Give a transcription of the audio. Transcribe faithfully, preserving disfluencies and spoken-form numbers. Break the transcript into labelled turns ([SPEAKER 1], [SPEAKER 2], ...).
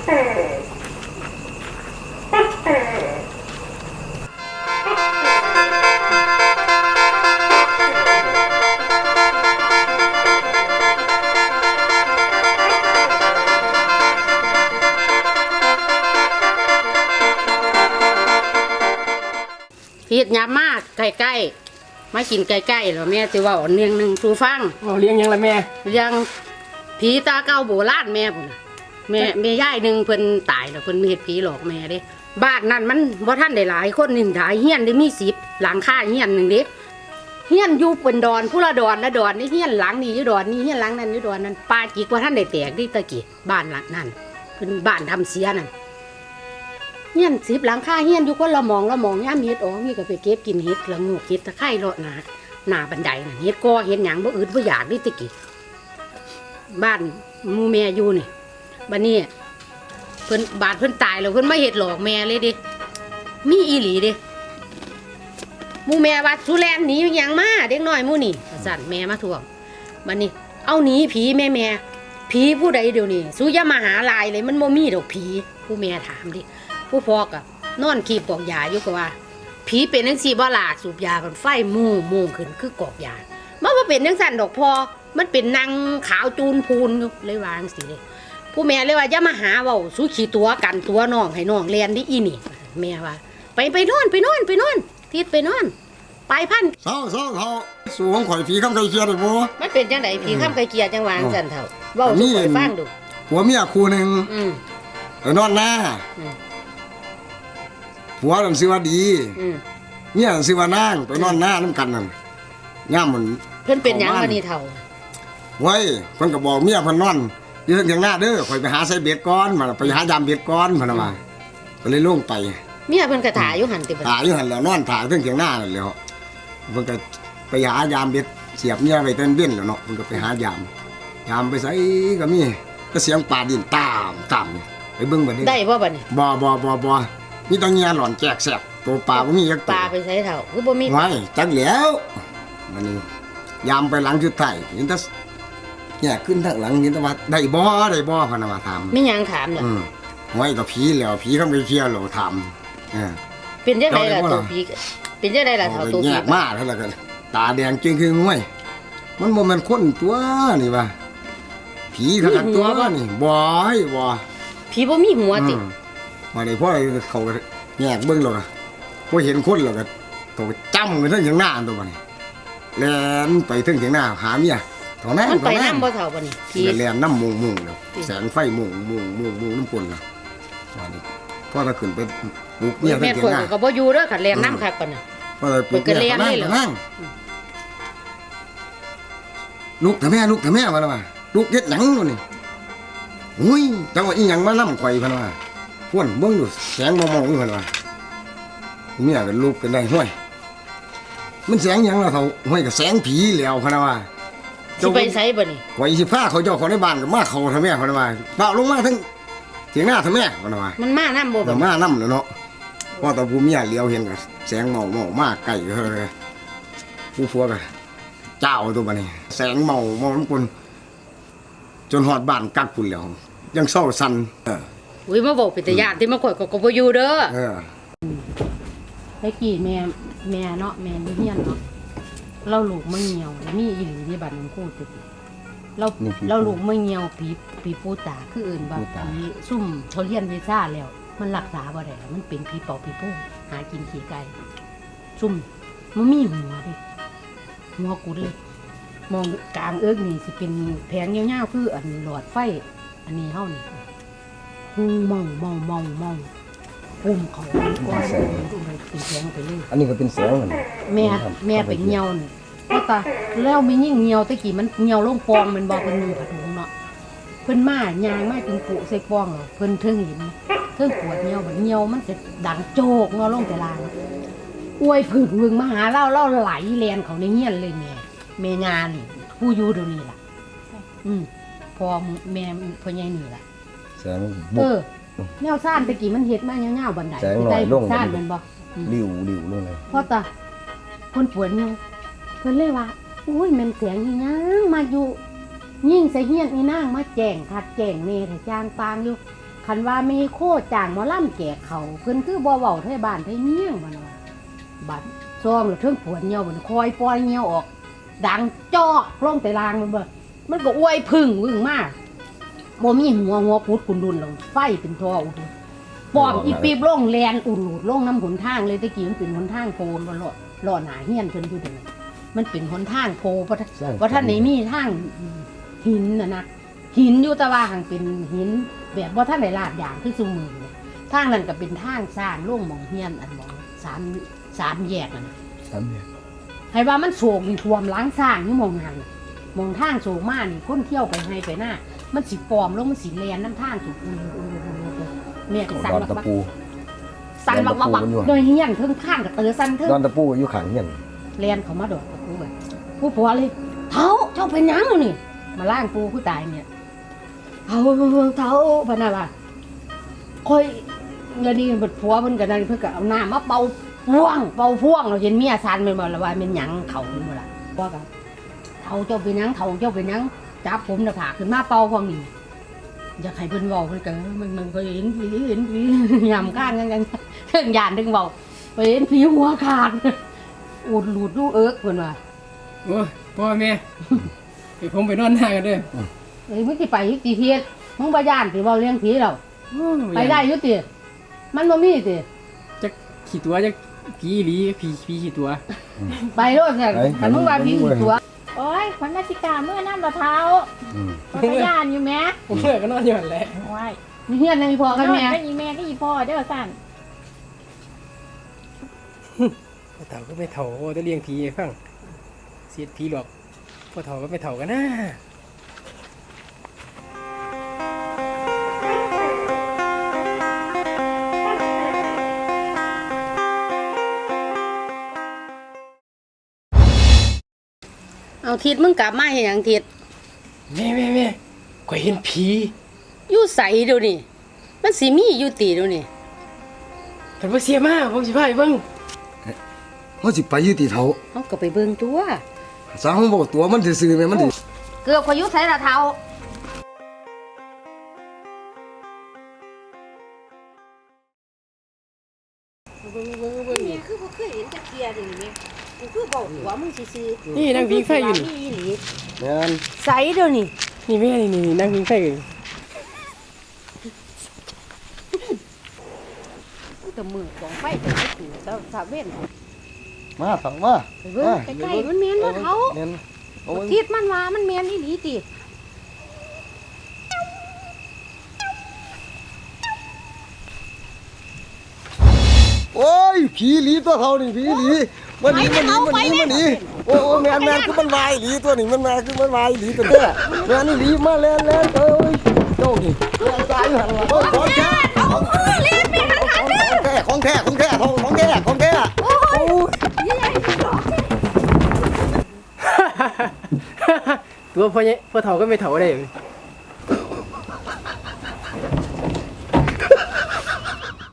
[SPEAKER 1] พีดยามากใกล้ๆมากินใกล้ๆแล้วแม่จะว่าเลี้ยงหนึ่งสูฟัง
[SPEAKER 2] เลี้ยงยังละแม่
[SPEAKER 1] เลี้ยงผีตาเก่าโบราณแม่พุ่นแม่แม่ย่ายหนึ่งเพิ่นตายแล้วเพิ่นมีเฮ็ดผีหลอกแม่เด้บ้านนั้นมันบ่ทันได้หลายคนนี่หลายเฮียนได้มีสิบหลังคาเฮียนหนึ่งเด้เฮียนอยู่เป็นดอนผู้ละดอนละดอนนี่เฮียนหลังนี้อยู่ดอนนี่เฮียนหลังนั้นอยู่ดอนนั้นปาจิกว่าท่านได้แตกดิตะกี้บ้านหลังนั้นเป็นบ้านทำเสียนั่นเฮียนสิบหลังคาเฮียนอยู่คนละมองละมองย่ามเฮ็ดอ๋อมีก็ไปเก็บกินเฮ็ดละงูเฮ็ดตะไคร้เลาะหนาหน้าบันไดน่ะเฮ็ดกอเฮ็ดหยังบ่อึดบ่อยากดิตะกี้บ้านหมู่แม่อยู่นี่บัดนี้เพิ่นบาดเพิ่นตายแล้วเพิ่นมาเฮ็ดหลอกแม่เลยดิมีอีหลีเด้หมู่แม่ว่าสุแลนหนีหยังมาเด็กน้อยหมู่นี่สั่นแม่มาทวงบัดนี้เอาหนีผีแม่แม่ผีผู้ใดเดี๋ยวนี้สุอย่ามาหาลายเลยมันบ่มีดอกผีผู้แม่ถามดิผู้พ่อก็นอนขีบกอกยาอยู่ก็ว่าผีเป็นจังซี่บ่ล่ะสูบยากันไฟมู่มู่ขึ้นคือกอกยามันบ่เป็นจังซั่นดอกพอมันเป็นนางขาวจูนพูนอยู่เลยวาจังซี่เลยผู้แม่เลยว่าอย่ามาหาเว้าสุขี้ตัวกันตัวน้องให้น้องเรียนดิอีนี่แม่ว่าไปไปนอนไปนอนไปนอนทิดไปนอนไปพัน
[SPEAKER 3] เศร้าเศร้าเท่าสูงข่อยผีคำไก่เกียร์เลยบ่
[SPEAKER 1] มันเป็นจังไดผีคำไก่เกียร์จังหวางซั่นเท่าเว้าสู่ข่อยฟังดู
[SPEAKER 3] ผัวเมียคู่นึง
[SPEAKER 1] อือ
[SPEAKER 3] ไปนอนหน้าผัวนั่นชื่อว่าดีเมียนั่นชื่อว่านางไปนอนหน้านำกันนั่นย่ามมัน
[SPEAKER 1] เพิ่นเป็นหยังบัดนี้เท่า
[SPEAKER 3] ไว้เพิ่นก็บอกเมียเพิ่นนอนอยู่เถียงหน้าเด้อข่อยไปหาใส่เบ็ดก่อนมาไปหายามเบ็ดก่อนเพิ่นว่าก็เลยลงไป
[SPEAKER 1] เมียเพิ่นก็ถ่ายอยู่หั่นติบัด
[SPEAKER 3] ถ่ายอยู่หั่นแล้วนอนถ่ายเถียงหน้านั่นแหล้วเพิ่นก็ไปหายามเบ็ดเสียบเมียไว้เต้นเบ้นแล้วเนาะเพิ่นก็ไปหายามยามไปไสก็มีก็เสียงป่าดินตามตามไปเบิ่งบัดนี้
[SPEAKER 1] ได้บ่บัดนี้
[SPEAKER 3] บ่บ่บ่บ่มีตะเงียหล่อนแจกแสบตัวปลาบ่มีจักตัว
[SPEAKER 1] ปลาไปไสเท่าคือบ่มี
[SPEAKER 3] ไว้จักแล้วมันนี่ยามไปหลังจุดไถเห็นแต่แยกขึ้นทางหลังเห็นแต่ว่าได้บ่ได้บ่พะนะว่าถาม
[SPEAKER 1] มีหยังถามน่ะ
[SPEAKER 3] อือไว้ก็ผีแล้วผีคำไปเที่ยวแล้วถามเออ
[SPEAKER 1] เป็นจังไดล่ะตัวผีเป็นจังไดล่ะเท่าตัวผี
[SPEAKER 3] แยกมาเท่านั้นก็ตาแดงจึงคือห้วยมันบ่แม่นคนตัวนี่ว่าผีเท่ากันตัวนี่บ่ให้บ่
[SPEAKER 1] ผีบ่มีหัวติ
[SPEAKER 3] มาได้พ่อเขาแยกเบิ่งแล้วก็บ่เห็นคนแล้วก็เขาจ้ำกันทั้งอย่างหน้าตัวบัดนี้แล่นไปถึงเถียงหน้าหาเมียเท่านั้น
[SPEAKER 1] มันไปนำบ่เท่าบัดนี้
[SPEAKER 3] ผีแล่นนำมุงๆแล้วแสงไฟมุงมุงมุงมุงน้ำปนล่ะว่านี่พ่อถ้าขึ้นไปปลุกเมียทั้งเถียงหน้า
[SPEAKER 1] ก็บ่อยู่เด้อคันแล่นนำคักปานน่ะ
[SPEAKER 3] พ่อเลยปลุกเมียนั่งลูกถ้าแม่ลูกถ้าแม่ว่าล่ะว่าลูกเฮ็ดหยังนู่นนี่อุ้ยจังว่าอีหยังมานำข่อยพุ่นว่าพ่นเบิ่งดูแสงมองๆอยู่พุ่นว่าเมียก็ลูกกันได้ห้วยมันแสงหยังล่ะเฒ่าห้วยก็แสงผีแล้วพุ่นว่า
[SPEAKER 1] สิไปไสบัดนี้
[SPEAKER 3] ข่อยสิพาเขาเจ้าของในบ้านก็มาเขาถ้าแม่พุ่นว่าเปล่าลงมาทั้งเถียงหน้าถ้าแม่พุ่นว่า
[SPEAKER 1] มันมานำบ่
[SPEAKER 3] บ่มานำแล้วเนาะพอตาผู้เมียเลี้ยวเห็นก็แสงเมาๆมาใกล้เฮ้อผู้ผัวก็เจ้าตัวบัดนี้แสงเมาเมามันปนจนฮอดบ้านกักพุ่นแล้วยังเศร้าสั่นเออ
[SPEAKER 1] อุ้ยมาบอกเป็นตาญาติที่มาข่อยก็บ่อยู่เด้อ
[SPEAKER 3] เออ
[SPEAKER 1] ไอ้กี่แม่แม่เนาะแม่อยู่เฮียนเนาะเราลูกไม่เหี่ยวมีอีหลีที่บ้านน้องโคตรเราเราลูกไม่เหี่ยวผีผีปูตาคืออื่นบ่ผีซุ่มเขาเรียนวีซ่าแล้วมันรักษาบ่ได้มันเป็นผีปอบผีปูหากินขี้ไก่ซุ่มมันมีหัวดิหัวกุดเลยมองกลางเอิกนี่สิเป็นแผงยาวๆคืออันหลอดไฟอันนี้เฮานี่หูเมาเมาเมาเมาปุ่มเขาก้อนเป็นแสงไปเลย
[SPEAKER 3] อันนี้ก็เป็นแสงมัน
[SPEAKER 1] แม่แม่ไปเหี่ยวนี่เพราะตาแล้วมียิ่งเหี่ยวตะกี้มันเหี่ยวลงฟองมันบอกเป็นนุ่งผ้าถุงเนาะเพิ่นมายางมาถึงปุใส่ฟองเหรอเพิ่นเทิงเห็นเทิงปวดเหี่ยวแบบเหี่ยวมันจะดังโจกเนาะลงแต่ลางอวยผึ่งวึงมาหาเล่าเล่าไหลแลนเขาในเงี้ยนเลยแม่แม่งานนี่ผู้อยู่เดี๋ยวนี้ล่ะอืมพอแม่พ่อใหญ่นี่ล่ะ
[SPEAKER 3] แสง
[SPEAKER 1] เออแนวซ่านตะกี้มันเฮ็ดมาเงาๆบันไดใต้ซ่านมันบ่
[SPEAKER 3] ริ้วริ้วลงเลย
[SPEAKER 1] พ่อตาคนปวดเหี่ยวเพิ่นเลยว่าอุ้ยแม่นเสียงอีหยังมาอยู่ยิ่งใส่เฮียนอีนางมาแจ้งคัดแจ้งแม่ถ้าจางปางอยู่คันว่ามีโคจ้างหมอลำแก่เขาเพิ่นคือบ่เว้าไทยบ้านไทยเมียงบ่นว่าบัดซองแล้วเทิงปวดเหี่ยวมันคอยปล่อยเหี่ยวออก ดังจอกลงแต่ลางมันบ่มันก็อวยพึ่งวึ่งมากบ่มีหัวหัวปุดกุนดุนลงไฟเป็นทออุดปอมอีปีบลงแลนอุ่นหลุดลงน้ำหนทางเลยตะกี้มันเป็นหนทางโพนบ่ล่อล่อหนาเฮียนเพิ่นอยู่เด้อมันเป็นหนทางโพบ่บ่ทันได้มีทางหินน่ะนะหินอยู่แต่ว่าหังเป็นหินแบบบ่ทันได้ลาดยางคือซุมื้อนี่ทางนั้นก็เป็นทางสร้างลงหม่องเฮียนอันหม่องสามสามแยกนั่น
[SPEAKER 3] สามเนี่ย
[SPEAKER 1] ให้ว่ามันโศกนี่ท่วมล้างสร้างนี่มองหันน่ะมองทางโศกมากนี่คนเที่ยวไปให้ไปหน้า มันสิปลอมแล้วมันสิแลนน้ำทางสูกอุ้ยอุ้ยอุ้ยอุ้ยแม่ก็สั่น
[SPEAKER 3] ดอน
[SPEAKER 1] บัก
[SPEAKER 3] ตะ
[SPEAKER 1] บัก
[SPEAKER 3] ปู
[SPEAKER 1] สั่นบักบักบัก
[SPEAKER 3] ดอนตะปูมันอยู่
[SPEAKER 1] โดยเฮียนเทิงข้างกับเตอสั่นเทิง
[SPEAKER 3] ดอนตะปูอยู่ข้างเฮียน
[SPEAKER 1] แลนเขามาดอกกับปูเลยผู้ผัวเลยเท้าเจ้าเป็นหยังแล้วนี่ มาล่างปูผู้ตายเนี่ยเท้าเท้าพะนาว่าคอยเงินดีบัดผัวเพิ่นก็นั่นเพิ่นก็เอาน้ำมาเป่าพ่วงเป่าพ่วงเราเห็นเมียสั่นแม่นบ่ล่ะว่าเป็นหยังเขาเป็นบ่ล่ะว่ากันเท้าเจ้าเป็นหยังเท้าเจ้าเป็นหยังจับผมน่ะผากขึ้นมาเป่าพวงนี้อยากให้เพิ่นเว้าเพิ่นก็มันมันก็เห็นผีเห็นผียำข้างกันกันเทิงยานถึงเว้าไปเห็นผีหัวขาดอูดหลุดลูกเอิกเพิ่นว่า
[SPEAKER 2] โอ้ยพ่อแม่ไปผมไปนอนหน้ากันเด้อ
[SPEAKER 1] เอ้ยมึงสิไปอยู่ติเทียดมึงบ่ย่านสิเว้าเรื่องผีแล้ว
[SPEAKER 2] โอ้ย
[SPEAKER 1] ไปได้อยู่ติมันบ่มีติ
[SPEAKER 2] จักขี่ตัวจักผีอีหลีผีผีขี่ตัว
[SPEAKER 1] ไปโลดเนี่ยคันมึงว่าผีอีตัว
[SPEAKER 4] โอ้ยขวัญราชการเมื่อน้ำมะพร้าว
[SPEAKER 3] อืม
[SPEAKER 4] ก็กระยานอยู่แม่
[SPEAKER 2] ผมเมื่อก็นอนอยู่นั่นแหละ
[SPEAKER 4] ว้าย
[SPEAKER 1] มีเฮียนในพ่อกับแม่
[SPEAKER 4] ก็อีแม่ก็อีพ่อเด้อสั่น
[SPEAKER 2] พ่อเฒ่าก็ไม่เฒ่าจะเลี้ยงผีให้ฟังเสียดผีหรอกพ่อเฒ่าก็ไม่เฒ่ากันนะ
[SPEAKER 1] เอาทิศมึงกลับมาเฮ็ดหยังทิศ
[SPEAKER 2] แม่แม่แม่ข่อยเห็นผี
[SPEAKER 1] อยู่ไสเดี๋ยวนี้มันสิมีอยู่ติเดี๋ยวนี้
[SPEAKER 2] คันบ่เสียมาผมสิพาไปเบิ่ง
[SPEAKER 3] เฮาสิไปอยู่ที่เฒ่า
[SPEAKER 1] เฮาก็ไปเบิ่งตัว
[SPEAKER 3] สร้างบ่ตัวมันซื่อๆแม่มันสิ
[SPEAKER 1] เกือบข่อยอยู่ไสล่ะเฒ่าเบิ่งเบิ่งเบิ่งนี่คือบ่เคยเห็นจักเที่ยเดี๋ยวนี้กูคือบอกหัวมึงซื่อๆ
[SPEAKER 2] นี่นั่งพิงไฟอยู่นี่
[SPEAKER 1] อีหลี
[SPEAKER 3] แม่น
[SPEAKER 1] ไสเดี๋ยวนี้
[SPEAKER 2] นี่แม่นี่นี่นั่งพิงไฟอยู่
[SPEAKER 1] แต่มือของไฟแต่ไม่ถือแต่สาเว้น
[SPEAKER 3] มาเฒ่ามา
[SPEAKER 1] ไปเบิ่งใกล้ๆมันแม่นบ่เฒ่า
[SPEAKER 3] แม่นเอาเบิ่ง
[SPEAKER 1] ทิศมันว่ามันแม่นอีหลีติ
[SPEAKER 3] โอ้ยผีหลีตัวเขานี่ผีหลีมันหนีมันหนีมันหนีมันหนีโอ้โอ้แม่นแม่นคือมันวายหลีตัวนี้มันมาคือมันวายหลีตัวเด้อแม่นนี่หลีมาแล่นแล่นเอ้ยโจ้นี่แล่นตายอยู่หั่นล่ะโอ้ยของแท้ของแท้ของแท้ของแท้ของของแท้ของแท้โอ้ย
[SPEAKER 2] ตัวพ่อใหญ่พ่อเฒ่าก็ไม่เฒ่าได้